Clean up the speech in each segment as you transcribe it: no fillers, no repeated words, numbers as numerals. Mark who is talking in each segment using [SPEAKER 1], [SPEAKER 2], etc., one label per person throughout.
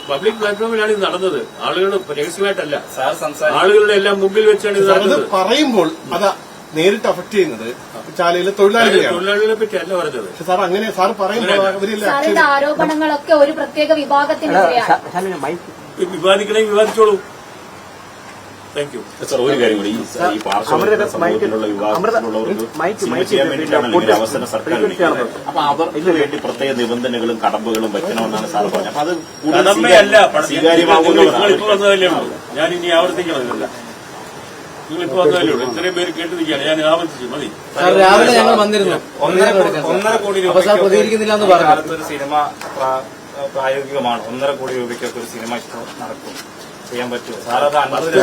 [SPEAKER 1] Public പ്ലാറ്റ്ഫോമിലാണ് ഇത് നടന്നത്. ആളുകൾ രഹസ്യമായിട്ടല്ല, ആളുകളുടെ എല്ലാം മുമ്പിൽ വെച്ചാണ് ഇത് നടന്നത്.
[SPEAKER 2] പറയുമ്പോൾ അത് നേരിട്ട് അഫക്ട് ചെയ്യുന്നത് ചാലയിലെ തൊഴിലാളികളെ
[SPEAKER 1] പറ്റി അല്ല പറഞ്ഞത്.
[SPEAKER 2] സാർ അങ്ങനെ സാർ പറയുമ്പോൾ
[SPEAKER 3] ആരോപണങ്ങളൊക്കെ ഒരു പ്രത്യേക വിഭാഗത്തിനെതിരെയാണ്.
[SPEAKER 1] വിവാദിക്കണമെങ്കിൽ വിവാദിച്ചോളൂ. Thank you
[SPEAKER 4] sir. ഒരു കാര്യം കൂടി, ഈ പാർശ്വവൽക്കരണ സമൂഹത്തിലുള്ള വിഭാഗത്തിലുള്ളവർക്ക് സിനിമ ചെയ്യാൻ വേണ്ടിയിട്ടാണ് അവസരം സർക്കാർ വിളിക്കുന്നത്. അപ്പൊ അവർക്ക് വേണ്ടി പ്രത്യേക നിബന്ധനകളും കടമ്പകളും വെക്കണമെന്നാണ് സാർ പറഞ്ഞത്. അപ്പൊ അത്
[SPEAKER 1] കടമ്പയല്ല,
[SPEAKER 4] സ്വീകാര്യമാകുന്നതല്ലേ ഉള്ളൂ.
[SPEAKER 1] ഞാൻ ഇനി ആവർത്തിക്കണമെന്നില്ല. നിങ്ങളിപ്പോ വന്നതല്ലേ ഉള്ളൂ. ഇത്രയും പേര് കേട്ടിരിക്കുകയാണ്. ഞാൻ ആവർത്തിച്ചു മതി.
[SPEAKER 5] രാവിലെ ഞങ്ങൾ വന്നിരുന്നു.
[SPEAKER 4] 1.5 കോടി രൂപ
[SPEAKER 5] പ്രതികരിക്കുന്നില്ല എന്ന് പറഞ്ഞു.
[SPEAKER 4] ഒരു സിനിമ പ്രായോഗികമാണ്. 1.5 കോടി രൂപയ്ക്കൊക്കെ ഒരു സിനിമ നടക്കും, ചെയ്യാൻ പറ്റുമോ സാർ? അത്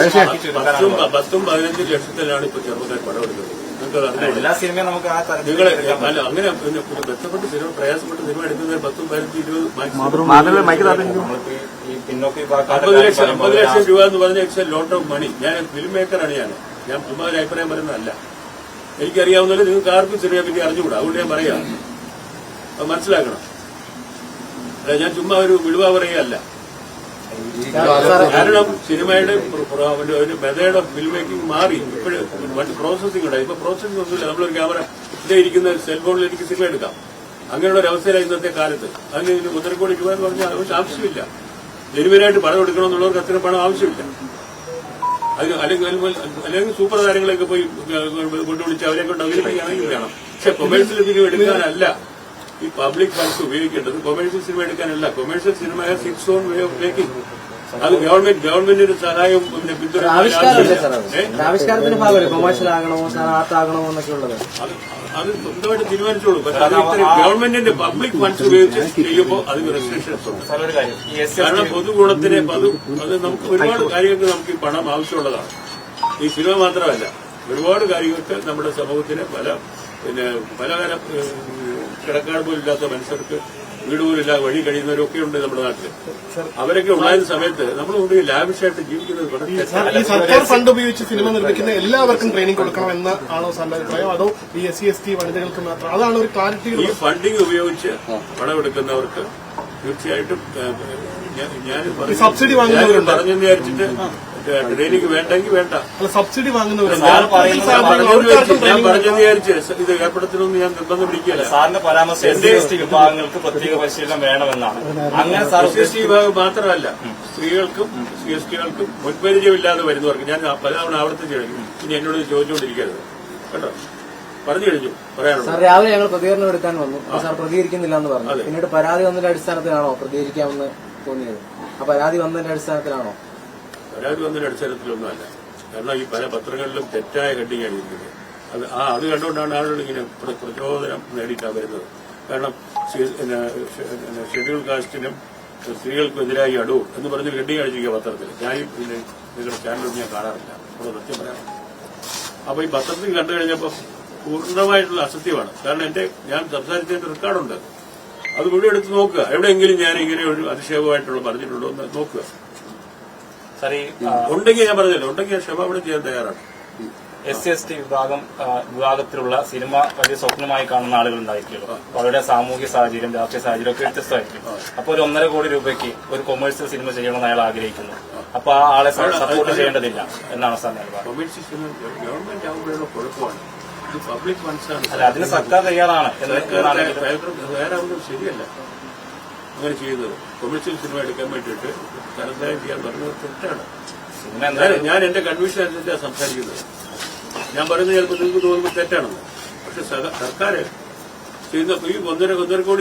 [SPEAKER 1] 10-15 ലക്ഷത്തിലാണ് ഇപ്പൊ ചെറുപ്പക്കാർ പടം എടുക്കുന്നത്.
[SPEAKER 4] എല്ലാ സിനിമയും നമുക്ക് ആ
[SPEAKER 1] നിങ്ങൾ അല്ല അങ്ങനെ ബന്ധപ്പെട്ട് സിനിമ പ്രയാസപ്പെട്ട് സിനിമ എടുക്കുന്നത് 10-15-20 50 ലക്ഷം രൂപ എന്ന് പറഞ്ഞ it's a lot of money. ഞാൻ ഫിലിം മേക്കറാണ്. ഞാൻ ചുമ്മാ ഒരു അഭിപ്രായം പറയുന്നതല്ല. എനിക്കറിയാവുന്നതിൽ നിങ്ങൾക്ക് ആർക്കും സിനിമയെ പറ്റി അറിഞ്ഞുകൂടാ. അതുകൊണ്ട് ഞാൻ പറയാം, അത് മനസ്സിലാക്കണം. അല്ല, ഞാൻ ചുമ്മാ ഒരു വിടുവ പറയുകയല്ല. കാരണം സിനിമയുടെ ഒരു മെത്തേഡ് ഓഫ് ഫിലിം മേക്കിംഗ് മാറി. ഇപ്പോഴും പ്രോസസിംഗ് ഉണ്ടായി. ഇപ്പൊ പ്രോസസിംഗ് ഒന്നുമില്ല. നമ്മളൊരു ക്യാമറ ഇതേ ഇരിക്കുന്ന സെൽഫോണിൽ എനിക്ക് സിനിമ എടുക്കാം. അങ്ങനെയുള്ള ഒരു അവസ്ഥയിലാണ് ഇന്നത്തെ കാലത്ത്. അതിന് 1.5 കോടി രൂപ എന്ന് പറഞ്ഞാൽ ആവശ്യമില്ല. ജനുവനായിട്ട് പണം എടുക്കണമെന്നുള്ളവർക്ക് അത്ര പണം ആവശ്യമില്ല. അല്ലെങ്കിൽ സൂപ്പർ താരങ്ങളെയൊക്കെ പോയി കൊണ്ടുവിളിച്ച് അവരെ കൊണ്ട് അവതരിപ്പിക്കുകയാണെങ്കിൽ വേണം. പക്ഷെ കൊമേഴ്സ്യൽ സിനിമ എടുക്കാനല്ല ഈ പബ്ലിക് ഫണ്ട്സ് ഉപയോഗിക്കേണ്ടത്. കൊമേഴ്സ്യൽ സിനിമ എടുക്കാനല്ല. Commercial cinema has its own way of making. അത് ഗവൺമെന്റിന്റെ സഹായവും പിന്തുണ
[SPEAKER 5] ആവിഷ്കാരത്തിന്റെ ഭാഗമല്ലേ കൊമേഴ്സ്യൽ ആകണമോ ആർട്ട് ആകണമോ എന്നൊക്കെ ഉള്ളത്.
[SPEAKER 1] അത് സ്വന്തമായിട്ട് തീരുമാനിച്ചോളൂ. പക്ഷെ ഗവൺമെന്റിന്റെ പബ്ലിക് ഫണ്ട്സ് ഉപയോഗിച്ച് ചെയ്യുമ്പോൾ അതിന് റെസ്ട്രിക്ഷൻസ് ഉണ്ട്. കാരണം പൊതുഗുണത്തിന് അത് നമുക്ക് ഒരുപാട് കാര്യങ്ങൾക്ക് നമുക്ക് ഈ പണം ആവശ്യമുള്ളതാണ്. ഈ സിനിമ മാത്രമല്ല, ഒരുപാട് കാര്യങ്ങൾക്ക് നമ്മുടെ സമൂഹത്തിന് പലതരം കിടക്കാട് പോലും ഇല്ലാത്ത മനുഷ്യർക്ക് വീട് പോലും ഇല്ലാതെ വഴി കഴിയുന്നവരൊക്കെ ഉണ്ട് നമ്മുടെ നാട്ടിൽ. അവരൊക്കെ ഉണ്ടായിരുന്ന സമയത്ത് നമ്മൾ കൊണ്ട് ലാവിഷായിട്ട് ജീവിക്കുന്നത്
[SPEAKER 2] സർക്കാർ ഫണ്ട് ഉപയോഗിച്ച് സിനിമ നിർമ്മിക്കുന്ന എല്ലാവർക്കും ട്രെയിനിങ് കൊടുക്കണം എന്ന് ആണോ സാറിന്റെ അഭിപ്രായം? അതോ ഈ SC/ST വനിതകൾക്ക് മാത്രം? അതാണ് ഒരു ക്ലാരിറ്റി.
[SPEAKER 1] ഈ ഫണ്ടിങ് ഉപയോഗിച്ച് പണമെടുക്കുന്നവർക്ക് തീർച്ചയായിട്ടും ഞാൻ
[SPEAKER 2] സബ്സിഡി വാങ്ങുന്നവരുണ്ട്
[SPEAKER 1] പറഞ്ഞെന്ന് വിചാരിച്ചിട്ട് ട്രെയിനിങ് വേണ്ടെങ്കിൽ വേണ്ട.
[SPEAKER 2] സബ്സിഡി വാങ്ങുന്നവരുണ്ട്.
[SPEAKER 1] ഞാൻ പറഞ്ഞെന്ന് വിചാരിച്ച് ഇത് ഏർപ്പെടുത്തണമെന്ന് ഞാൻ നിർബന്ധം പിടിക്കുകയല്ല.
[SPEAKER 4] സാറിന്റെ പരാമർശം SC/ST വിഭാഗങ്ങൾക്ക് പ്രത്യേക പരിശീലനം വേണമെന്നാണ്. അങ്ങനെ
[SPEAKER 1] SC/ST വിഭാഗം മാത്രമല്ല, സ്ത്രീകൾക്കും ST-കൾക്കും മുൻപരിചയമില്ലാതെ വരുന്നവർക്ക് ഞാൻ പലതവണ ആവർത്തിച്ച് കഴിഞ്ഞു. ഇനി എന്നോട് ചോദിച്ചുകൊണ്ടിരിക്കരുത് കേട്ടോ. പറഞ്ഞു കഴിഞ്ഞു. പറയാനുള്ളത്
[SPEAKER 5] സാർ, രാവിലെ ഞങ്ങൾ പ്രതികരണം എടുക്കാൻ വന്നു. സാർ പ്രതികരിക്കുന്നില്ല എന്ന് പറഞ്ഞു. പിന്നീട് പരാതി വന്നതിന്റെ അടിസ്ഥാനത്തിലാണോ പ്രതികരിക്കാമെന്ന് തോന്നിയത്? ആ പരാതി വന്നതിന്റെ അടിസ്ഥാനത്തിലാണോ?
[SPEAKER 1] പരാതി വന്നതിന്റെ അടിസ്ഥാനത്തിലൊന്നുമല്ല. കാരണം ഈ പല പത്രങ്ങളിലും തെറ്റായ ഹെഡിങ്ങാണ് ഇരിക്കുന്നത്. അത് കണ്ടുകൊണ്ടാണ് ആളുകൾ ഇങ്ങനെ പ്രചോദനം നേടിയിട്ടാണ് വരുന്നത്. കാരണം ഷെഡ്യൂൾ കാസ്റ്റിനും സ്ത്രീകൾക്കെതിരായി അടൂ എന്ന് പറഞ്ഞ് ഹെഡിങ് അടിച്ചിരിക്കുക പത്രത്തിൽ. ഞാനും നിങ്ങളുടെ ചാനലൊന്നും ഞാൻ കാണാറില്ല. അപ്പോൾ സത്യം പറയാം. അപ്പൊ ഈ പത്രത്തിൽ കണ്ടു കഴിഞ്ഞപ്പോൾ പൂർണ്ണമായിട്ടുള്ള അസത്യമാണ്. കാരണം ഞാൻ സംസാരിച്ചതിന്റെ റെക്കോർഡുണ്ട്. അത് മുഴുവൻ എടുത്ത് നോക്കുക. എവിടെയെങ്കിലും ഞാൻ ഇങ്ങനെ ഒരു അതിശയമായിട്ടുള്ള പറഞ്ഞിട്ടുണ്ടോ എന്ന് നോക്കുക. ഉണ്ടെങ്കിൽ ഞാൻ പറഞ്ഞല്ലോ, ഉണ്ടെങ്കിൽ ക്ഷമാപണം ചെയ്യാൻ തയ്യാറാണ്.
[SPEAKER 4] SC/ST വിഭാഗത്തിലുള്ള സിനിമ വലിയ സ്വപ്നമായി കാണുന്ന ആളുകൾ ഉണ്ടായിരിക്കുമല്ലോ. അവരുടെ സാമൂഹ്യ സാഹചര്യം, രാഷ്ട്രീയ സാഹചര്യം ഒക്കെ വ്യത്യസ്തമായിരിക്കും. അപ്പൊ ഒരു 1.5 കോടി രൂപയ്ക്ക് ഒരു കൊമേഴ്സ്യൽ സിനിമ ചെയ്യണമെന്ന് അയാൾ ആഗ്രഹിക്കുന്നു. അപ്പൊ ആ ആളെ സപ്പോർട്ട് ചെയ്യേണ്ടതില്ല എന്നാണ് സാർ നിലപാട്.
[SPEAKER 1] ഗവൺമെന്റ് ആകുമ്പോഴുള്ള കുഴപ്പമാണ്. ഇത് പബ്ലിക് ഫണ്ട്സാണ്.
[SPEAKER 4] അല്ല, അതിന് സർക്കാർ തയ്യാറാണ്.
[SPEAKER 1] വേറെ ഒന്നും ശരിയല്ല അങ്ങനെ ചെയ്യുന്നത്. കൊമേഴ്സ്യൽ സിനിമ എടുക്കാൻ വേണ്ടിയിട്ട് ധനസഹായം ചെയ്യാൻ പറഞ്ഞത് തെറ്റാണ്. ഞാൻ എന്റെ കൺവീഷൻ അനുസരിച്ചാണ് സംസാരിക്കുന്നത്. ഞാൻ പറയുന്നത് ചിലപ്പോൾ നിങ്ങൾക്ക് തോന്നുമ്പോൾ തെറ്റാണെന്ന്. പക്ഷെ സർക്കാർ ചെയ്യുന്ന ഈ 1.5 കോടി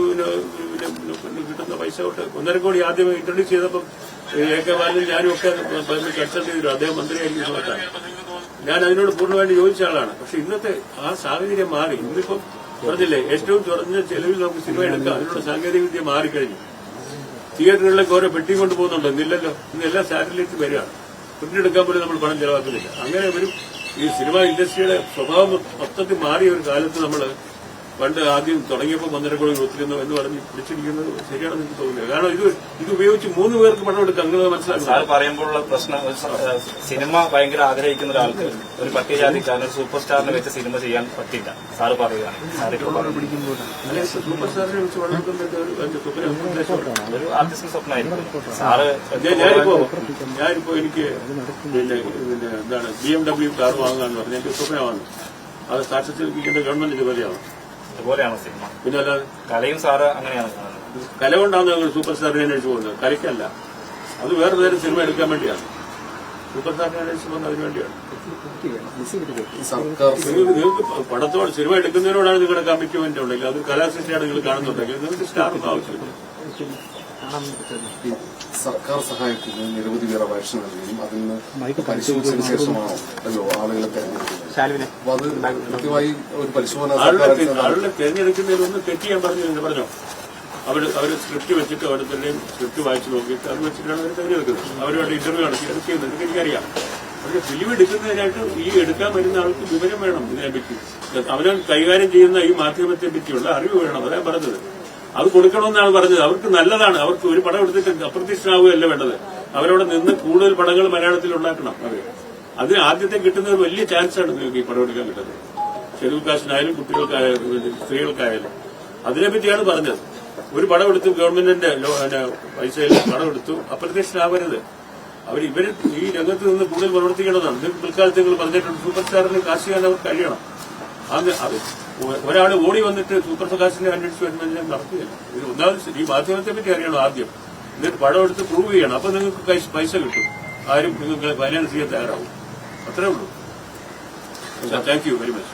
[SPEAKER 1] കിട്ടുന്ന പൈസ തൊട്ട് 1.5 കോടി ആദ്യം ഇൻട്രൊഡ്യൂസ് ചെയ്തപ്പം AK ബാലനും ഞാനും ഒക്കെ കൺസൾട്ട് ചെയ്തിരുന്നു. അദ്ദേഹം മന്ത്രിയായിരിക്കും സമയത്താണ്. ഞാൻ അതിനോട് പൂർണ്ണമായിട്ട് യോജിച്ച ആളാണ്. പക്ഷെ ഇന്നത്തെ ആ സാഹചര്യം മാറി. ഇന്നിപ്പം പറഞ്ഞില്ലേ, ഏറ്റവും കുറഞ്ഞ ചെലവിൽ നമുക്ക് സിനിമ എടുക്കാം. അതിനുള്ള സാങ്കേതികവിദ്യ മാറിക്കഴിഞ്ഞു. തിയേറ്ററുകളിലേക്ക് ഓരോ പെട്ടി കൊണ്ട് പോകുന്നുണ്ടോ? ഇന്നില്ലല്ലോ. ഇന്ന് എല്ലാം സാറ്റലൈറ്റ് വരികയാണ്. പ്രിന്റെടുക്കാൻ പോലും നമ്മൾ പണം ചെലവാക്കുന്നില്ല. അങ്ങനെ ഒരു ഈ സിനിമ ഇൻഡസ്ട്രിയുടെ സ്വഭാവം മൊത്തത്തിൽ മാറിയ ഒരു കാലത്ത് നമ്മൾ പണ്ട് ആദ്യം തുടങ്ങിയപ്പോൾ 1.5 കോടി കൊടുത്തിരുന്നു എന്ന് പറഞ്ഞ് പിടിച്ചിരിക്കുന്നത് ശരിയാണെന്ന് എനിക്ക് തോന്നുന്നില്ല. കാരണം ഇത് ഉപയോഗിച്ച് 3 പേർക്ക് പണം എടുക്കാം. അങ്ങനെ മനസ്സിലാക്കുക.
[SPEAKER 4] സാർ പറയുമ്പോഴുള്ള പ്രശ്നം സിനിമ ഭയങ്കര ആഗ്രഹിക്കുന്ന ഒരാൾക്ക് ഒരു പട്ടികജാതിക്കാരൻ ഒരു സൂപ്പർ സ്റ്റാറിനെ വെച്ച് സിനിമ ചെയ്യാൻ പറ്റില്ല. സാറ് പറയുകയാണ്.
[SPEAKER 1] സൂപ്പർ സ്റ്റാറിനെ വെച്ച് വളർത്തുന്നത്
[SPEAKER 4] ഒരു ആർട്ടിസ്റ്റിന് സ്വപ്നമായിരിക്കും. സാറ്
[SPEAKER 1] ഞാനിപ്പോ എനിക്ക് പിന്നെ എന്താണ് BMW കാർ വാങ്ങാന്ന് പറഞ്ഞാൽ എനിക്ക് സ്വപ്നമാണ്. അത് സാക്ഷാത്കരിക്കേണ്ട ഗവൺമെന്റ് ജോലിയാണ്.
[SPEAKER 4] അതുപോലെയാണ് സിനിമ.
[SPEAKER 1] പിന്നെ അല്ലാതെ
[SPEAKER 4] കലയും സാറ് അങ്ങനെയാണ് കാണുന്നത്.
[SPEAKER 1] കല കൊണ്ടാണ് ഞങ്ങൾ സൂപ്പർ സ്റ്റാറിനെ അന്വേഷിച്ച് പോകുന്നത്. കലയ്ക്കല്ല. അത് വേറെ നേരം സിനിമ എടുക്കാൻ വേണ്ടിയാണ്. സൂപ്പർ സ്റ്റാറിനെ അന്വേഷിച്ച് പോകുന്നത് അതിനു വേണ്ടിയാണ്. നിങ്ങൾക്ക് പടത്തോട് സിനിമ എടുക്കുന്നതിനോടാണ് നിങ്ങളുടെ കമ്മിറ്റ്മെന്റ് ഉണ്ടെങ്കിൽ അത് കലാസൃഷ്ടിയാണ് നിങ്ങൾ കാണുന്നുണ്ടെങ്കിൽ നിങ്ങൾക്ക് സ്റ്റാറൊന്നും ആവശ്യമില്ല.
[SPEAKER 6] സർക്കാർ സഹായത്തിന് നിരവധി പേർ അപേക്ഷ നൽകുകയും അതിൽ നിന്ന് പരിശോധിച്ചതിന് ശേഷമാണോ ആളുകളെ തെരഞ്ഞെടുക്കുന്നത്? അപ്പൊ അത് കൃത്യമായി ഒരു പരിശോധന
[SPEAKER 1] ആളുകളെ തെരഞ്ഞെടുക്കുന്നതിലൊന്നും തെറ്റിയാൻ പറഞ്ഞോ. അവര് സ്ക്രിപ്റ്റ് വെച്ചിട്ട് ഓരോരുത്തരുടെയും സ്ക്രിപ്റ്റ് വായിച്ചു നോക്കിയിട്ട് അത് വെച്ചിട്ടാണ് അവർ തെരഞ്ഞെടുക്കുന്നത്. അവരുമായിട്ട് ഇന്റർവ്യൂ നടത്തി അത് ചെയ്യുന്നത് എനിക്കറിയാം. പക്ഷെ ഫിലിം എടുക്കുന്നതിനായിട്ട് ഈ എടുക്കാൻ വരുന്ന ആൾക്ക് വിവരം വേണം. ഇതിനെപ്പറ്റി അവൻ കൈകാര്യം ചെയ്യുന്ന ഈ മാധ്യമത്തെ പറ്റിയുള്ള അറിവ് വേണം. അതാ പറഞ്ഞത്. അത് കൊടുക്കണമെന്നാണ് പറഞ്ഞത്. അവർക്ക് നല്ലതാണ്. അവർക്ക് ഒരു പടം എടുത്തിട്ട് അപ്രത്യക്ഷനാവുകയല്ല വേണ്ടത്. അവരവിടെ നിന്ന് കൂടുതൽ പടങ്ങൾ മലയാളത്തിൽ ഉണ്ടാക്കണം. അതിന് ആദ്യത്തെ കിട്ടുന്ന ഒരു വലിയ ചാൻസാണ് നിങ്ങൾക്ക് ഈ പടം എടുക്കാൻ കിട്ടുന്നത്. ഷെഡ്യൂൾ കാസ്റ്റിനായാലും കുട്ടികൾക്കായാലും സ്ത്രീകൾക്കായാലും അതിനെപ്പറ്റിയാണ് പറഞ്ഞത്. ഒരു പടം എടുത്തു, ഗവൺമെന്റിന്റെ പൈസയിൽ പടം എടുത്തു, അപ്രത്യക്ഷനാവരുത്. ഇവര് ഈ രംഗത്ത് നിന്ന് കൂടുതൽ പ്രവർത്തിക്കേണ്ടതാണ്. ഇത് പിൽക്കാലത്ത് നിങ്ങൾ പറഞ്ഞിട്ടുണ്ട് സൂപ്പർ സ്റ്റാറിന് കാസ്റ്റ് ചെയ്യാൻ അവർക്ക് കഴിയണം. അത് ഒരാൾ ഓടി വന്നിട്ട് സൂപ്പർ കാസ്റ്റിനെ അന്വേഷിച്ച് വരുമ്പോൾ നടക്കുകയില്ല. ഇത് ഒന്നാമത് ഈ മാധ്യമത്തെ പറ്റി അറിയണം ആദ്യം. എന്നിട്ട് പടം എടുത്ത് പ്രൂവ് ചെയ്യണം. അപ്പൊ നിങ്ങൾക്ക് പൈസ കിട്ടും. ആരും നിങ്ങൾക്ക് ഫൈനാൻസ് ചെയ്യാൻ തയ്യാറാവും. അത്രേ ഉള്ളൂ. Thank you very much.